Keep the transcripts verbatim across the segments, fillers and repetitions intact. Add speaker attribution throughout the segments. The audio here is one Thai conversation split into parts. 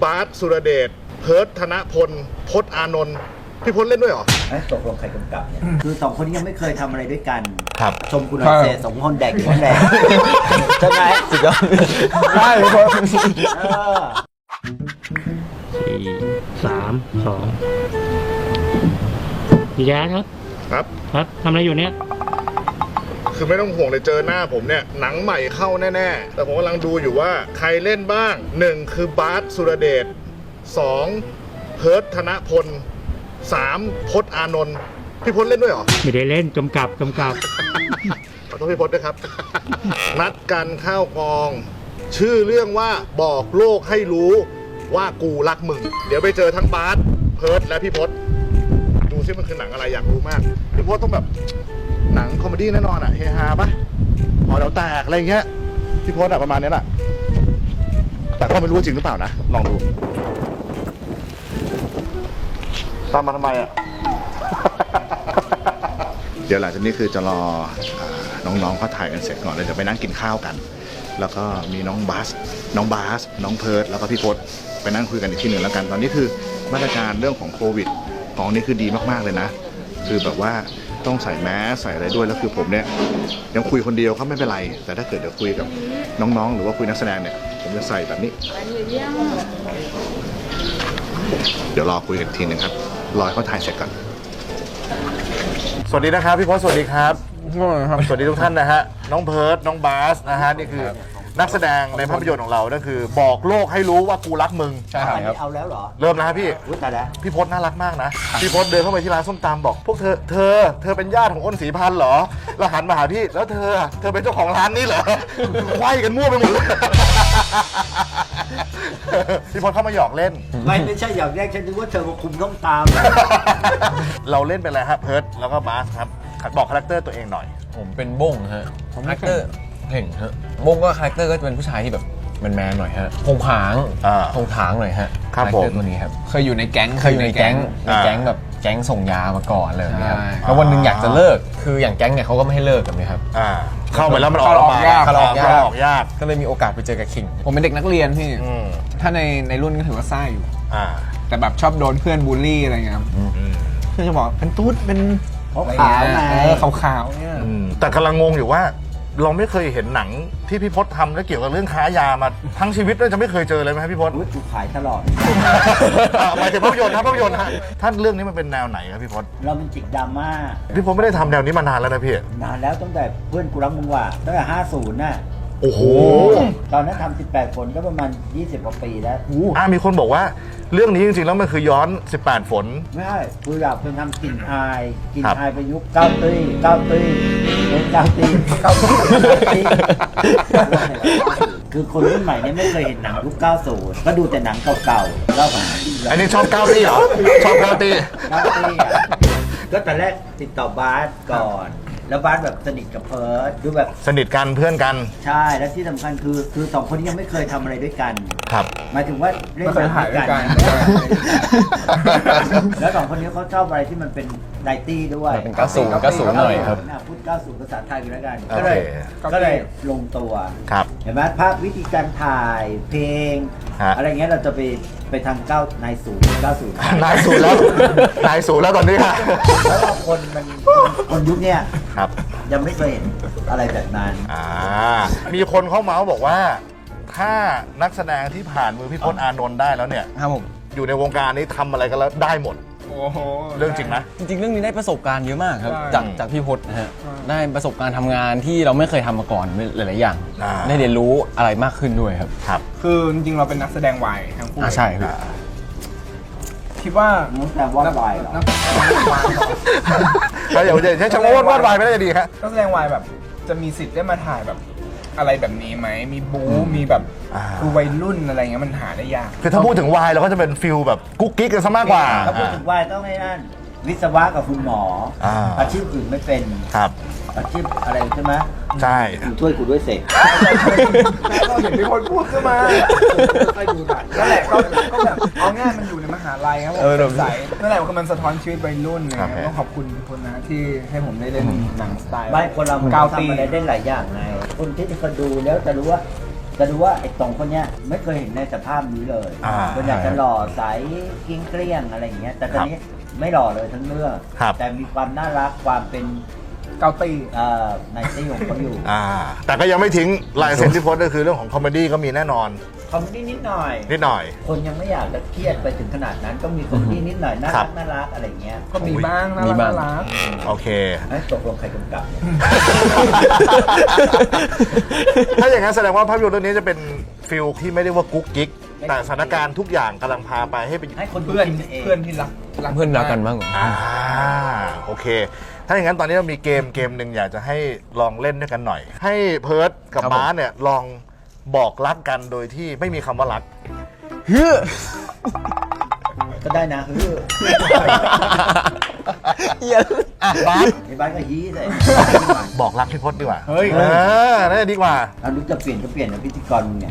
Speaker 1: บาสสุรเดชเพิร์ทธนพลพจน์อานนท์พี่พจน์เล่นด้วยเหรอ
Speaker 2: ตกลงใครกำกับเนี่ยคือสองคนนี้ยังไม่เคยทำอะไรด้วยกัน
Speaker 1: ครับ
Speaker 2: ชมคุณหน่อยเสสองคนแดกอยู่คนแดกใช่ไหมสุดยอด
Speaker 3: ใช่พี่พจน์
Speaker 4: สี่สามสองพี่แจ๊คครับ
Speaker 1: ครับ
Speaker 4: ครับทำอะไรอยู่เนี่ย
Speaker 1: คือไม่ต้องห่วงเลยเจอหน้าผมเนี่ยหนังใหม่เข้าแน่ๆแต่ผมกำลังดูอยู่ว่าใครเล่นบ้างหนึ่งคือบาสสุรเดชสองเพิร์ทธนพลสามพจน์อานนท์พี่พจน์เล่นด้วยเหรอ
Speaker 4: ไม่ได้เล่นกำกับกำกับ
Speaker 1: ขอโทษพี่พจน์ด้วยครับ นัดกันเข้ากอง ชื่อเรื่องว่าบอกโลกให้รู้ว่ากูรักมึงเดี๋ยวไปเจอทั้งบาสเพิร์ทและพี่พจน์ดูซิมันคือหนังอะไรอยากรู้มากพี่พจน์ต้องแบบหนังคอมเมดี้แน่นอนอะเฮฮาปะหอเดาแตกอะไรเงี้ยพี่พจน์อะประมาณนี้แหละแต่ก็ไม่รู้จริงหรือเปล่านะลองดูตามมาทำไมอะ เดี๋ยวหลังจากนี้คือจะรอน้องๆเขาถ่ายกันเสร็จก่อนเลยจะไปนั่งกินข้าวกันแล้วก็มีน้องบาสน้องบาสน้องเพิร์ทแล้วก็พี่พจน์ไปนั่งคุยกันอีกที่หนึ่งแล้วกันตอนนี้คือมาตรการเรื่องของโควิดของนี้คือดีมากๆเลยนะคือแบบว่าต้องใส่แมสใส่อะไรด้วยแล้วคือผมเนี่ยยังคุยคนเดียวก็ไม่เป็นไรแต่ถ้าเกิดเดี๋ยวคุยกับน้องๆหรือว่าคุยนักแสดงเนี่ยผมจะใส่แบบนี้เดี๋ยวรอคุยกันทีนึงครับรอให้เขาถ่ายเสร็จก่อนสวัสดีนะครับพี่พจน์สวัสดีครับสวัสดีทุกท่านนะฮะน้องเพิร์ทน้องบาสนะฮะนี่คือนักแสดงในภาพยนตร์ของเรานั่นคือบอกโลกให้รู้ว่ากูรักมึง
Speaker 2: ใช่ครับเอาแล้วเหรอ
Speaker 1: เริ่มแล้วพี่
Speaker 2: อุ้ยตายแล้ว
Speaker 1: พี่พจน์น่ารักมากนะพี่พจน์เดินเข้าไปที่ร้านส้มตำบอกพวกเธอเธอเธอเป็นญาติของอ้นศรีพันธ์เหรอแล้วหันมาหาพี่แล้วเธอเธอเป็นเจ้าของร้านนี้เหรอไขว้กันมั่วไปหมดเลยพี่พจน์เข้ามาหยอกเล่น
Speaker 2: ไม่ไม่ใช่หยอกแรกฉันนึกว่าเธอมาคุมต้องตาม
Speaker 1: เราเล่นเป็นอะไรครับเพิร์ทแล้วก็บาสครับบอกคาแรคเตอร์ตัวเองหน่อย
Speaker 3: ผมเป็นบ้งฮะคาแรคเตอร์เก่งฮะบ้งก็คาแรคเตอร์ก็จะเป็นผู้ชายที่แบบแมนๆหน่อยฮะพงผางพงผางหน่อยฮะคาแรคเตอร์ตัวนี้ครับ
Speaker 5: เคยอยู่ในแก๊ง
Speaker 3: เคยอยู่ในแก๊งในแก๊งแบบแก๊งส่งยามาก่อนเลยนะครับแล้ววันหนึ่งอยากจะเลิกคืออย่างแก๊งเนี่ยเขาก็ไม่ให้เลิกกันนะครับ
Speaker 1: เข้าไปแล้วมันออกยากเข้าออกยากออกยาก
Speaker 3: ก็เลยมีโอกาสไปเจอกับคิง
Speaker 5: ผมเป็นเด็กนักเรียนพี่ถ้าในในรุ่นก็ถือว่าซ่าอยู่แต่แบบชอบโดนเพื่อนบูลลี่อะไรเงี้ยเพื่อนจะบอกเป็นตุ๊ดเป็น
Speaker 2: ขาวไง
Speaker 5: ขาวๆเนี่ย
Speaker 1: แต่กำลังงงอยู่ว่าเราไม่เคยเห็นหนังที่พี่พจน์ทำแล้วเกี่ยวกับเรื่องค้ายามาทั้งชีวิตเลยจะไม่เคยเจอเลยไหมครับพี่พจน์
Speaker 2: ถูกขายตลอด
Speaker 1: หมายถึงภาพยนตร์ครับภาพยนตร์ฮะท่านเรื่องนี้มันเป็นแนวไหนครับพี่พจน์
Speaker 2: เราเป็นจิกดราม่า
Speaker 1: พี่พจน์ไม่ได้ทำแนวนี้มานานแล้วนะพี่
Speaker 2: นานแล้วตั้งแต่เพื่อนกูรักมึงว่าตั้งแต่ห้าสิบน่ะ
Speaker 1: โอ้โห
Speaker 2: ตอนนั้นทำสิบแปดฝนก็ประมาณยี่สิบกว่าปีแล้ว
Speaker 1: อ่ามีคนบอกว่าเรื่องนี้จริงๆแล้วมันคือย้อนสิบแปดฝน
Speaker 2: ไม่ใช่กูอยากเป็นทำกลิ่นอายกลิ่นอายประยุกต์เก้าตี้เก้าตี้เป็นเก้าตี้เก้าตี้คือคนรุ่นใหม่เนี่ยไม่เคยเห็นหนังยุคเก้าสิบก็ดูแต่หนังเก่าๆแล้ว
Speaker 1: อันนี้ชอบเก้าตี้เหรอชอบเก้าตี้
Speaker 2: เก้าตี้ก็ตอนแรกติดต่อบาสก่อนแล้วบาสแบบสนิทกับเพิร์ทดูแบบ
Speaker 1: สนิทกันเพื่อนกัน
Speaker 2: ใช่แล้วที่สำคัญคือคือสองคนนี้ยังไม่เคยทำอะไรด้วยกัน
Speaker 1: ครับ
Speaker 2: หมายถึงว่าเล่นหนังด้วยกันแล้วสองคนนี้เขาชอบอะไรที่มันเป็นไดตี้ด้วย
Speaker 3: เป็นเก้าสิบเก้าสิบหน่อยครับ
Speaker 2: พูดเก้าสิบภาษาไทยกันแล้วกันก็เลยก็เลยลงตัว
Speaker 1: ครับ
Speaker 2: เห็นไหมภาพวิธีการถ่ายเพลงอะไรเงี้ยเราจะไปไปทางเก้านายศูนย์เก้าศูนย์
Speaker 1: นายศูนย์แล้วนายศูนย์แล้วตอนนี้ค่ะ
Speaker 2: แล้วคนมันคนยุคเนี้ย
Speaker 1: ครับ
Speaker 2: ยังไม่เคยเห็นอะไรแบบนั้น
Speaker 1: อ่ามีคนเข้ามาบอกว่าถ้านักแสดงที่ผ่านมือพี่พจน์อานนท์ได้แล้วเนี่ย
Speaker 3: ครับผม
Speaker 1: อยู่ในวงการนี้ทำอะไรกันแล้วได้หมดเรื่องจริงนะ
Speaker 3: จริงๆเรื่องนี้ได้ประสบการณ์เยอะมากครับจากจากพี่พจน์นะฮะได้ประสบการณ์ทำงานที่เราไม่เคยทำมาก่อนหลายๆอย่างได้เรียนรู้อะไรมากขึ้นด้วยครับ
Speaker 1: ครับ
Speaker 5: คือจริงๆเราเป็นนักแสดงวายทั้งคู่
Speaker 3: ใช่ครับ
Speaker 5: คิดว่า
Speaker 2: นักแสดงวาดวายเหรอ
Speaker 1: ถ้าอย่างใช้ช่างวาดวาดวายไม่ได้ดีครับ
Speaker 5: นักแสดงวายแบบจะมีสิทธิ์ได้มาถ่ายแบบอะไรแบบนี้ไหมมีบู๊มีแบบคือวัยรุ่นอะไรเงี้ยมันหาได้ยาก
Speaker 1: คือถ้าพูดถึงวายเราก็จะเป็นฟิลแบบกุ๊กกิ๊กกันซะมากกว่า
Speaker 2: ถ้าพูดถึงวายต้องให้นั่นวิศวะกับคุณหมออาชีพอื่นไม่เป็น
Speaker 1: ครับ
Speaker 2: อาชีพอะไรใช่ไหม
Speaker 1: ใช่
Speaker 2: ช่วยกูด้วยเสก
Speaker 5: ก็เห็นมีคนพูดขึ้นมาไปดูหน่อยนั่นแหละก็ก็แบบเอาง่ายมันอยู่ในมหาลัยครับผมใสนั่นแหละคือมันสะท้อนชีวิตวัยรุ่นนะครับต้องขอบคุณคนนะที่ให้ผมได้เล่นหนังสไตล์
Speaker 2: ไม่คนเราก้าวตีได้ได้หลายอย่างไงคนที่จะดูแล้วจะรู้ว่าจะดูว่าไอ้ตรงคนเนี้ยไม่เคยเห็นในสภาพนี้เลย
Speaker 1: อ่า
Speaker 2: คนอยากจะหล่อใสเกลี้ยงเกลี้ยงอะไรอย่างเงี้ยแต่ตอนนี้ไม่หล่อเลยทั้งเรื่อง
Speaker 1: ครับ
Speaker 2: แต่มีความน่ารักความเป็น
Speaker 5: เกาตี
Speaker 2: เอ่อในที่ของเขาอยู่
Speaker 1: อ่าแต่ก็ยังไม่ทิ้งลายเซ็นที่โพสต์ก็คือเรื่องของคอมเมดี้ก็มีแน่นอน
Speaker 2: คอมเมดี้นิดหน่อย
Speaker 1: นิดหน่อย
Speaker 2: คนยังไม่อยากจะเครียดไปถึงขนาดนั้นก็มีคอมเมดี้นิดหน่อยน่า
Speaker 1: ครั
Speaker 2: รับ กน่ารักอะไรเงี้ย
Speaker 5: ก็มีบ้างน่า
Speaker 3: มี
Speaker 5: รัก
Speaker 3: บ้าง
Speaker 5: น่ารัก
Speaker 1: โอเค
Speaker 2: เอ้ยตกลงใครกำกับเนี่ย
Speaker 1: ถ้าอย่างนั้นแสดงว่าภาพยนตร์เรื่องนี้จะเป็นฟิลที่ไม่ได้ว่ากุ๊กกิ๊กแต่สถานการณ์ทุกอย่างกำลังพาไปให้เป็น
Speaker 2: ให้คนดู
Speaker 5: เพื่อน
Speaker 2: คิดเอง
Speaker 5: เพื่อนที่รัก
Speaker 3: เพื่อนรักกันบ้าง
Speaker 1: อ่าโอเค ถ้าอย่างนั้นตอนนี้เรามีเกมเกมหนึ่งอยากจะให้ลองเล่นด้วยกันหน่อย ให้เพิร์ดกับ
Speaker 3: ครับผม
Speaker 1: บ้าสเนี่ยลองบอกรักกันโดยที่ไม่มีคำว่ารัก
Speaker 3: เฮ้ย
Speaker 2: ก็ได้นะคือ
Speaker 1: อ่ะบ้าส
Speaker 2: ในบ้านก็ฮี้เลย
Speaker 1: บอกรักพี่พจน์ดีกว่า
Speaker 5: เฮ้ย
Speaker 1: เออน่าจะดีกว่า
Speaker 2: เอานึกจะเปลี่ยนก็เปลี่ยนนะพิธีกรมึงเนี่ย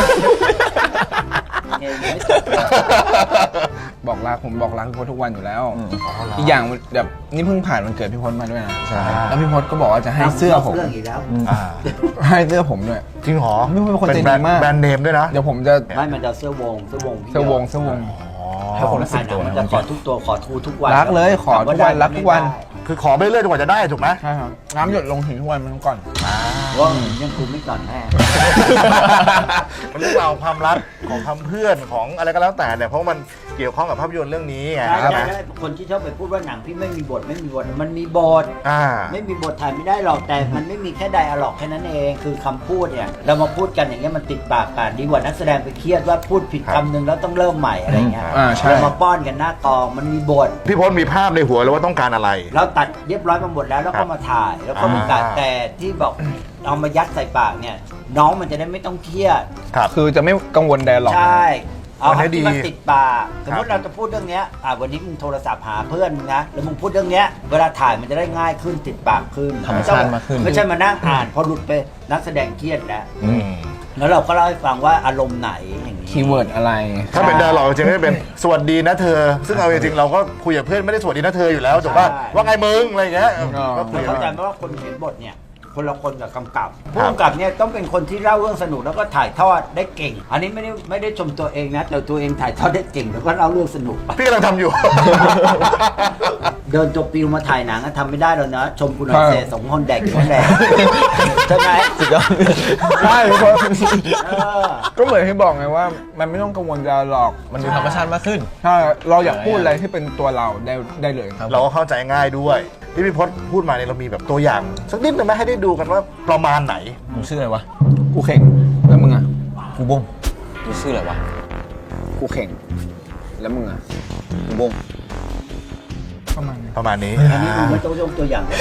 Speaker 2: เองไม่จบเลย
Speaker 5: บอกรักผมบอกรักพี่พจน์ทุกวันอยู่แล้ว อีกอย่างแบบนี่เพิ่งผ่านวันเกิดพี่พจน์มาด้วยนะ
Speaker 1: ใช่
Speaker 5: แล้วพี่พจน์ก็บอกว่าจะให้เสื้อผม
Speaker 2: เรื่องอีกแล้ว
Speaker 1: อ่า
Speaker 5: ให้เสื้อผมด้วย
Speaker 1: จริงเหรอ
Speaker 5: พี่พจน์เป็นคนใจดี
Speaker 1: แบรนด์
Speaker 5: มาก
Speaker 1: แบรนด์เนมด้วยนะ
Speaker 5: เดี๋ยวผมจะ
Speaker 2: ไม่มันจะเอาเสื้อวงเสื้อวงพี่
Speaker 5: เสื้อวงเสื้อวง
Speaker 3: ให้คนละสิบตัว
Speaker 2: มัน
Speaker 3: นะ
Speaker 2: จะขอทุกตัวขอทูทุกวัน
Speaker 5: รักเลยขอทุกวันรักทุกวัน
Speaker 1: คือขอไปเรื่อยจนกว่าจะได้ถูกไหม
Speaker 5: ใช่ครับน้ำหยดลงถึงทุกวันมันก่อน
Speaker 2: ว่ายังคุมไม่ก่อนแม่
Speaker 1: มันเรื่องราวความรักของคำเพื่อนของอะไรก็แล้วแต่เนี่ยเพราะมันเกี่ยวข้องกับภาพยนตร์เรื่องนี้ไง
Speaker 2: ใช่
Speaker 1: ใช่ไหม
Speaker 2: ใช่คนที่ชอบไปพูดว่าหนังพี่ไม่มีบทไม่มีบทมันมีบท
Speaker 1: อ่า
Speaker 2: ไม่มีบทถ่ายไม่ได้หรอกแต่มันไม่มีแค่ไดอะล็อกแค่นั้นเองคือคำพูดเนี่ยเรามาพูดกันอย่างเงี้ยมันติดปากกันดีกว่านักแสดงไปเครียดว่าพูดผิด
Speaker 1: ครับ
Speaker 2: คำหนึ่งแล้วต้องเริ่มใหม่อะไรเงี้ย
Speaker 5: อ่าใช่
Speaker 2: เรามาป้อนกันหน้ากองมันมีบท
Speaker 1: พี่พจน์มีภาพในหัวเลยว่าต้องการอะไร
Speaker 2: เราตัดเรียบร้อยมาหมดแล้วแล้ว
Speaker 1: ครั
Speaker 2: ก็
Speaker 1: บ
Speaker 2: มาถ่ายแล้วก็มาตัด
Speaker 1: อ่า
Speaker 2: แต่ที่บอกเอามายัดใส่ปากเนี่ยน้องมันจะได้ไม่ต้องเครียด
Speaker 1: ครับ
Speaker 5: คือจะไม่กังวลไดอะล็อก
Speaker 2: ใช่เอา
Speaker 1: มันให้
Speaker 2: ให้ที่มัน
Speaker 1: ดี
Speaker 2: ติดปากสมมติเราจะพูดเรื่องเนี้ยอ่าวันนี้มึงโทรศัพท์หาเพื่อนมึงนะแล้วมึงพูดเรื่องเนี้ยเวลาถ่ายมันจะได้ง่ายขึ้นติดปากขึ้น
Speaker 3: ธรรมชาติมากขึ้น
Speaker 2: ไม่ใช่มานั่งอ่านพอหลุดไปนักแสดงเครียดแล้ว
Speaker 1: อืม
Speaker 2: แล้วเราก็เล่าให้ฟังว่าอารมณ์ไหนอย่างนี้
Speaker 5: คีย์เวิร์ดอะไร
Speaker 1: ถ้าเป็นดาราจริงๆก็จะเป็นสวัสดีนะเธอ ซึ่งเอาจริงๆเราก็คุยกับเพื่อนไม่ได้สวัสดีนะเธออยู่แล้วถูกป่ะว่าไงมึงอะไรอย่างเงี้ยก็คุ
Speaker 2: เรา
Speaker 1: ย
Speaker 2: เข้าใจ
Speaker 1: กัน
Speaker 2: ไหมว่าคนเขียนบทเนี่ยคนละคนกับกำกับผู้กำกับเนี่ยต้องเป็นคนที่เล่าเรื่องสนุกแล้วก็ถ่ายทอดได้เก่ง อันนี้ไม่ได้ไม่ได้ชมตัวเองนะแต่ตัวเองถ่ายทอดได้เก่งแล้วก็เล่าเรื่องสนุก
Speaker 1: พี่กำลังทำอยู่
Speaker 2: เดินจบปิวมาถ่ายหนังก็ทำไม่ได้แล้วนะ ชมคุณหน่อย
Speaker 5: ใช่
Speaker 2: เสสองคนแดกอยู่คนแดกใช่ไหม
Speaker 3: สุดยอด
Speaker 5: ใช่พี่พจน์
Speaker 2: เออ
Speaker 5: ก็เหมือนที่บอกไงว่า มันไม่ต้องกังวลไดอะล็อก
Speaker 3: มันดูธรรมชาติมากขึ้น
Speaker 5: ใช่เราอยากพูดอะไรที่เป็นตัวเราได้ได้เลยครับ
Speaker 1: เราก็เข้าใจง่ายด้วยที่พี่พจน์พูดมาเนี่ยเรามีแบบตัวอย่างสักนิดหนึงไหมให้ได้ดูกันว่าประมาณไหน
Speaker 3: มึงชื่ออะไรวะ
Speaker 5: กูเข่งแล้วมึงอ่ะ
Speaker 3: กูบงมึงชื่ออะไรวะ
Speaker 5: กูเข่งแล้วมึงอ่ะ
Speaker 3: กูบง
Speaker 5: ประมาณนี้
Speaker 1: ประมาณนี้
Speaker 2: อันนี้มึงไม่ต้องยกตัวอย่างก็ได้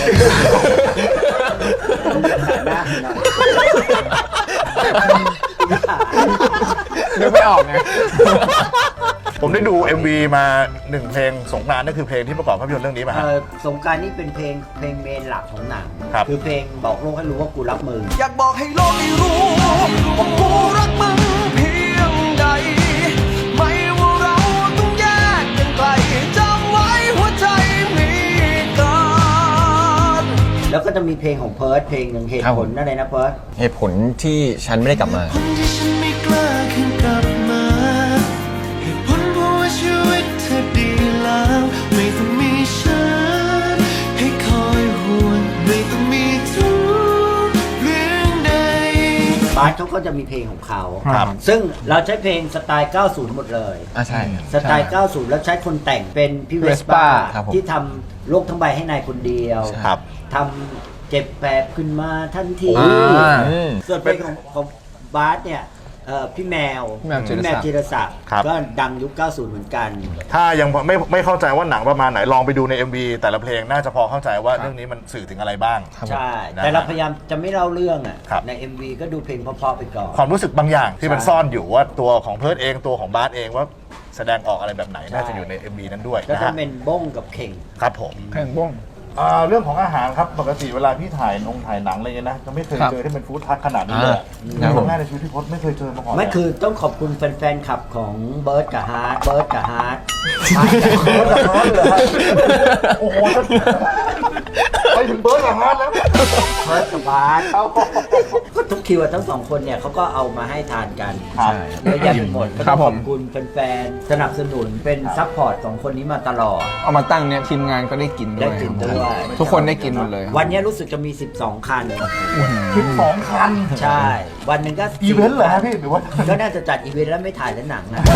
Speaker 2: มึงจะถ่ายหน้าให้หน่อย
Speaker 5: นึกไม่ออกไง
Speaker 1: ผมได้ดู เอ็ม วี มาหนึ่งเพลงสงกรานต์นั่นคือเพลงที่ประกอบภาพยนตร์เรื่องนี้มา
Speaker 2: เอ
Speaker 1: ฮะ
Speaker 2: อสงกรารนี่เป็นเพลงเพลงเมนหลักของหนัง
Speaker 1: ครับ
Speaker 2: คือเพลงบอกโลกให้รู้ว่ากูรักมึง
Speaker 6: อยากบอกให้โลกได้รู้ว่ากูรักมึงเพียงใด ไม่ว่าเราต้องแยกกันไกลจำไว้หัวใจมีกัน
Speaker 2: แล้วก็จะมีเพลงของเพิร์ดเพลงหนึ่งเหตุ
Speaker 3: ครับ
Speaker 2: ผ
Speaker 3: ผ
Speaker 2: ล
Speaker 3: ม
Speaker 2: อะไรนะเพิร์ด
Speaker 3: เหตุผลที่ฉันไม่ได้กลับมา
Speaker 6: คนที่ฉันไม่กล้าคืนกลับมาเหตุผลเพราะว่าชีวิตเธอดีแล้ว ไม่ต้องมีฉันให้คอยห่วงไม่ต้องมีทุกเรื่องใด
Speaker 2: บาสเขาก็จะมีเพลงของเขา
Speaker 1: ครับ
Speaker 2: ซึ่งเราใช้เพลงสไตล์ เก้าสิบ หมดเลย
Speaker 3: อ่ะใช่
Speaker 2: สไตล์ เก้าสิบ แล้วใช้คนแต่งเป็นพี่เวส
Speaker 5: Vespa
Speaker 2: ป้า
Speaker 3: ครับผม
Speaker 2: ที่ทำโลกทั้งใบให้นายคนเดียว
Speaker 1: ครับ
Speaker 2: ทำเจ็บแปบขึ้นมาทันที
Speaker 5: อ่า
Speaker 3: อืม
Speaker 2: ส่วนเพลงของของบาสเนี่ยเอ่อพี่แมว
Speaker 5: พี่แมวจิรศักดิ์
Speaker 2: พี่แมวจิรศักดิ์
Speaker 1: ครับ
Speaker 2: ก็ดังยุค เก้าสิบ เหมือนกัน
Speaker 1: ถ้ายังไม่ไม่เข้าใจว่าหนังประมาณไหนลองไปดูใน เอ็ม วี แต่ละเพลงน่าจะพอเข้าใจว่าเรื่องนี้มันสื่อถึงอะไรบ้าง
Speaker 3: ครับผม
Speaker 2: ใช่
Speaker 1: นะ
Speaker 2: แต่เราพยายามจะไม่เล่าเรื่องอ่ะ
Speaker 1: ครับ
Speaker 2: ใน เอ็ม วี ก็ดูเพลงเพราะๆไปก่อน
Speaker 1: ความรู้สึกบางอย่างที่มัน
Speaker 2: ใช่
Speaker 1: ซ่อนอยู่ว่าตัวของเพิร์ดเองตัวของบาสเองว่าแสดงออกอะไรแบบไหน
Speaker 2: ใช่
Speaker 1: น่าจะอยู่ใน เอ็ม วี นั้นด้วย
Speaker 2: ก็
Speaker 1: นะ
Speaker 2: จะ
Speaker 1: ฮะ
Speaker 2: เป็นบ้งกับเข่ง
Speaker 1: ครับผม
Speaker 5: แข่งบ้ง
Speaker 1: อ่าเรื่องของอาหารครับปกติเวลาพี่ถ่ายนงถ่ายหนังอะไรเงี้ยนะจะไม่เคย
Speaker 5: ครับ
Speaker 1: เจอที่เป็นฟู้ดทัคขนาดนี้เลย
Speaker 3: อ่า
Speaker 1: ครั้งแรกในชีวิตพี่พจน์ไม่เคยเจอมาก่อน
Speaker 2: ไม่
Speaker 1: เลย
Speaker 2: คือต้องขอบคุณแฟนๆคลับของเบิร์ดกับฮาร์ดเบิร์ดกับฮาร์ด
Speaker 1: โอ้โหไปถึงเบิร์ดกับฮาร์ดแล้ว
Speaker 2: เพิร์ดกับบาสเขาก็ทุกคิวอะทั้งสองคนเนี่ยเขาก็เอามาให้ทานกัน
Speaker 1: ครับ
Speaker 2: เยอะแยะไปหมดก็
Speaker 5: ครั
Speaker 2: ต้อบ ง
Speaker 5: ผ
Speaker 2: ข
Speaker 5: ม
Speaker 2: อบคุณแฟนๆสนับสนุนเป็นซัพพอร์ตของคนนี้มาตลอด
Speaker 5: เอามาตั้งเนี่ยทีมงานก็ได้กินด้วย
Speaker 2: ได้กินด้วย
Speaker 5: ทุกคนได้กินหมดเลย
Speaker 2: วันนี้รู้สึกจะมี สิบสอง คัน
Speaker 1: สิบสองคัน
Speaker 2: ใช่ วันหนึ่งก็
Speaker 1: อีเวนต์เหรอฮะพี่หรือว่า
Speaker 2: ก็น่าจะจัดอีเวนต์แล้วไม่ถ่ายแล้วหนังนะ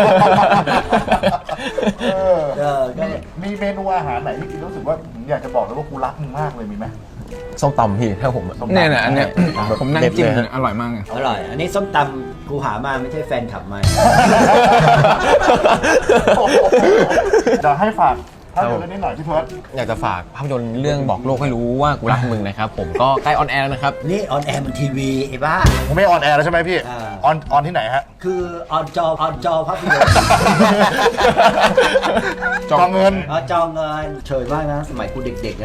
Speaker 1: เออ
Speaker 2: เออก็
Speaker 1: มีมีเมนูอาหารไหนที่กินรู้สึกว่าผมอยากจะบอกเลยว่ากูรักมึงมากเลยมีไหม
Speaker 3: ส้มตำพี่ถ้าผมอะ
Speaker 5: เนี่ยเนี่ยอันเนี้ยผมนั่งจิ้ม
Speaker 3: เด็ดเลยฮะ
Speaker 5: อร่อยมากเลย
Speaker 2: อร่อย อันนี้ส้มตำกูหามาไม่ใช่แฟนขับมา
Speaker 1: เดี๋ยวให้ฝากภาพยนตร์เรื่องนี้หน่อยพี่เพิร์ด
Speaker 3: อยากจะฝากภาพยนตร์เรื่องบอกโลกให้รู้ว่ากูรักมึงนะครับผมก็ใกล้ออนแอร์แล้วนะครับ
Speaker 2: นี่ออนแอร์มันทีวีไอ้บ้า
Speaker 1: ผมไม่ออนแอร์แล้วใช่ไหมพี่
Speaker 2: อ่า
Speaker 1: ออนออนที่ไหนฮะ
Speaker 2: คือออนจอออนจอภาพยนตร์
Speaker 1: จองเงิน
Speaker 2: อ๋อจอเงินเฉยมากนะ สมัยกูเด็กๆนั้น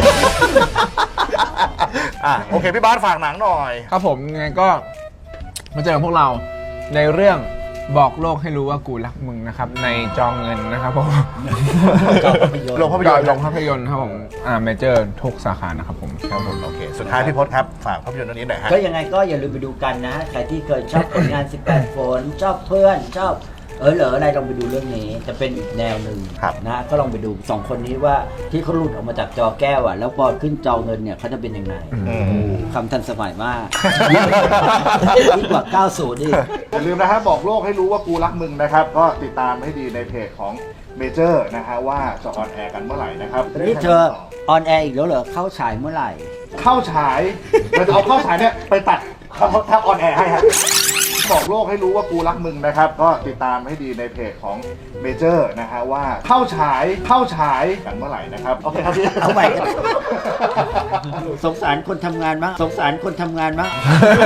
Speaker 1: อ่ะโอเคพี่บาสฝากหนังหน่อย
Speaker 5: ครับผมยังไงก็มาเจอกับพวกเราในเรื่องบอกโลกให้รู้ว่ากูรักมึงนะครับในจองเงินนะครับผม
Speaker 2: จอภาพยนตร์
Speaker 1: โรงภาพยนตร์
Speaker 5: โรงภาพยนตร์ครับผมอ่าเมเจอร์ทุกสาขานะครับผมครับผม
Speaker 1: โอเค สุดท้ายพี่พศครับ ฝากภาพยนตร์เรื่องนี้หน่อยฮะ
Speaker 2: ก็ยังไงก็อย่าลืมไปดูกันนะ ใครที่เคยชอบผลงาน สิบแปด ฝน ชอบเพื่อน ชอบเออเหรออะไรลองไปดูเรื่องนี้ จะเป็นอีกแนวหนึ่ง
Speaker 1: ครับ
Speaker 2: นะ ก็ลองไปดูสองคนนี้ว่าที่เขาหลุดออกมาจากจอแก้วอ่ะ แล้วพอขึ้นจอเงินเนี่ยเขาจะเป็นยังไง
Speaker 1: อืม
Speaker 2: โอ้คำทันสมัยมากยิ่งกว่า เก้าสิบ อีก
Speaker 1: อย่าลืมนะฮะบอกโลกให้รู้ว่ากูรักมึงนะครับ ก็ติดตามให้ดีในเพจของเมเจอร์นะฮะว่าจะออนแอร์กันเมื่อไหร่นะครับ
Speaker 2: นี่เธอออนแอร์อีกแล้วเหรอ เข้าฉายเมื่อไหร่
Speaker 1: เข้าฉายเราจะเอาเข้าฉายเนี่ยไปตัดทับออนแอร์ให้ฮะบอกโลกให้รู้ว่ากูรักมึงนะครับ ก็ติดตามให้ดีในเพจของเมเจอร์นะฮะว่าเข้าฉายเข้าฉายกันเมื่อไหร่นะครับโอเคครับพี่
Speaker 2: เอาใหม่กัน สงสารคนทำงานมั้งสงสารคนทำงานมั้ง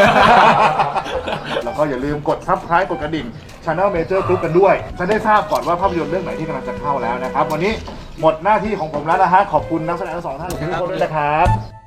Speaker 1: แล้วก็อย่าลืมกด ซับสไครบ์ กดกระดิ่ง Channel Major Group กันด้วย จะได้ทราบก่อนว่าภาพยนตร์เรื่องไหนที่กำลังจะเข้าแล้วนะครับ วันนี้หมดหน้าที่ของผมแล้วนะฮะ ขอบคุณนักแสดงทั้งสองท่านทุกคนด้วยนะครับ